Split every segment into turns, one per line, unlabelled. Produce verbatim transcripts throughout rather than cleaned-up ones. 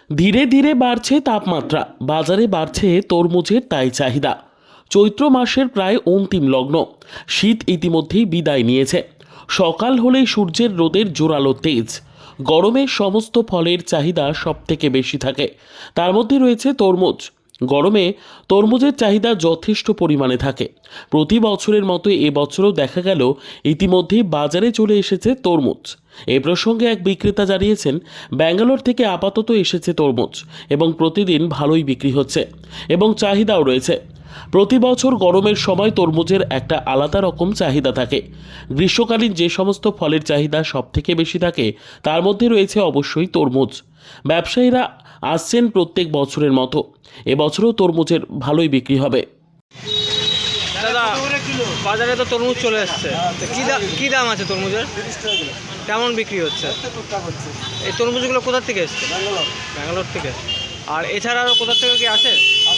ধীরে ধীরে বাড়ছে তাপমাত্রা, বাজারে বাড়ছে তরমুজের তাই চাহিদা। চৈত্র মাসের প্রায় অন্তিম লগ্ন, শীত ইতিমধ্যেই বিদায় নিয়েছে। সকাল হলেই সূর্যের রোদের জোরালো তেজ। গরমে সমস্ত ফলের চাহিদা সব থেকে বেশি থাকে, তার মধ্যে রয়েছে তরমুজ। গরমে তরমুজের চাহিদা যথেষ্ট পরিমাণে থাকে। প্রতি বছরের মতো এবছরও দেখা গেল ইতিমধ্যেই বাজারে চলে এসেছে তরমুজ। এ প্রসঙ্গে এক বিক্রেতা জানিয়েছেন, ব্যাঙ্গালোর থেকে আপাতত এসেছে তরমুজ এবং প্রতিদিন ভালোই বিক্রি হচ্ছে এবং চাহিদাও রয়েছে। প্রতি বছর গরমের সময় তরমুজের একটা আলাদা রকম চাহিদা থাকে। গ্রীষ্মকালীন যে সমস্ত ফলের চাহিদা সব থেকে বেশি থাকে তার মধ্যে রয়েছে অবশ্যই তরমুজ। ব্যবসায়ীরা আসছেন প্রত্যেক বছরের মতো, এবছরও তরমুজের ভালোই বিক্রি হবে।
দাদা, বাজারে তো তরমুজ চলে এসছে, তো কি দাম কি দাম আছে তরমুজের? কেমন বিক্রি হচ্ছে? এই তরমুজগুলো কোথা থেকে এসছে? ব্যাঙ্গালোর থেকে। আর এছাড়া আরও কোথা থেকে কি আসে?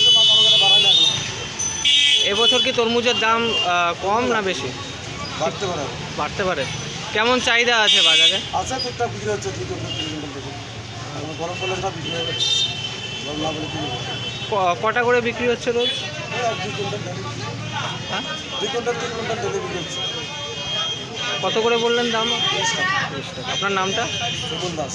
এবছর কি তরমুজের দাম আহ, কম না বেশি?
বাড়তে পারে
বাড়তে পারে। কেমন চাহিদা আছে বাজারে?
আছে টুকটাক বিক্রি হচ্ছে দুই কুইন্টাল তিন কুইন্টাল থেকে। এখন গরম পড়লে সব বিক্রি হয়ে যাচ্ছে। গরম না বলে কিনে
ক- কটা করে বিক্রি হচ্ছে রোজ?
দুই কুইন্টাল ডেলি
হ্যাঁ,
দুই কুইন্টাল তিন কুইন্টাল ডেলি বিক্রি হচ্ছে।
কত করে বললেন দাম?
তিরিশ টাকা।
তিরিশ টাকা। আপনার নামটা?
সুকুল দাস।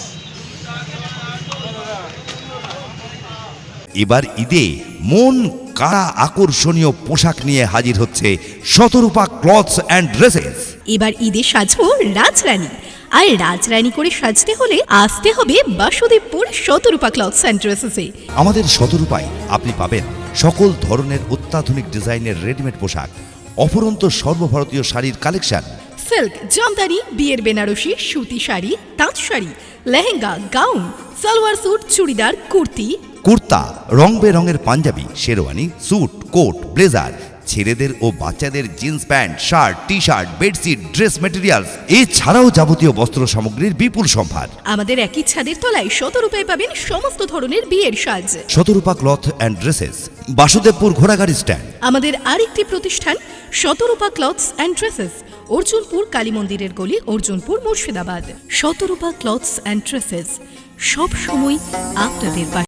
এবার ঈদে মন কাড়া আকর্ষণীয় পোশাক নিয়ে হাজির হচ্ছে শতরূপা ক্লথস অ্যান্ড ড্রেসেস।
এবার ঈদে সাজবো রাজরানী, আর রাজরানী করে সাজতে হলে আসতে হবে বাসুদেবপুর শতরূপা ক্লথস অ্যান্ড ড্রেসেসে।
আমাদের শতরূপায় আপনি পাবেন সকল ধরনের অত্যাধুনিক ডিজাইনের রেডিমেড পোশাক, অফুরন্ত সর্বভারতীয় শাড়ির কালেকশন,
সিল্ক, জামদানি, বিয়ের বেনারসি, সুতি শাড়ি, তাঁত শাড়ি, লেহেঙ্গা, গাউন, সালোয়ার স্যুট, চুড়িদার, কুর্তি,
কুর্তা, রং বেরঙের punjabi, sherwani, suit, coat, blazer, ছেলেদের ও বাচ্চাদের jeans pant, shirt, T shirt, bedsheet, dress materials, এছাড়াও যাবতীয় বস্ত্র সামগ্রীর বিপুল সম্ভার।
আমাদের একই ছাদের তলায় শতরূপায় পাবেন সমস্ত ধরনের বিয়ের সাজ।
Shatarupa cloth and dresses, Basudebpur ঘোড়াগাড়ি স্ট্যান্ড।
আমাদের আরেকটি প্রতিষ্ঠান Shatarupa clothes and dresses, Arjunpur Kali মন্দিরের গলি, Arjunpur, Murshidabad. Shatarupa clothes and dresses সব সময় আপনাদের পাশে।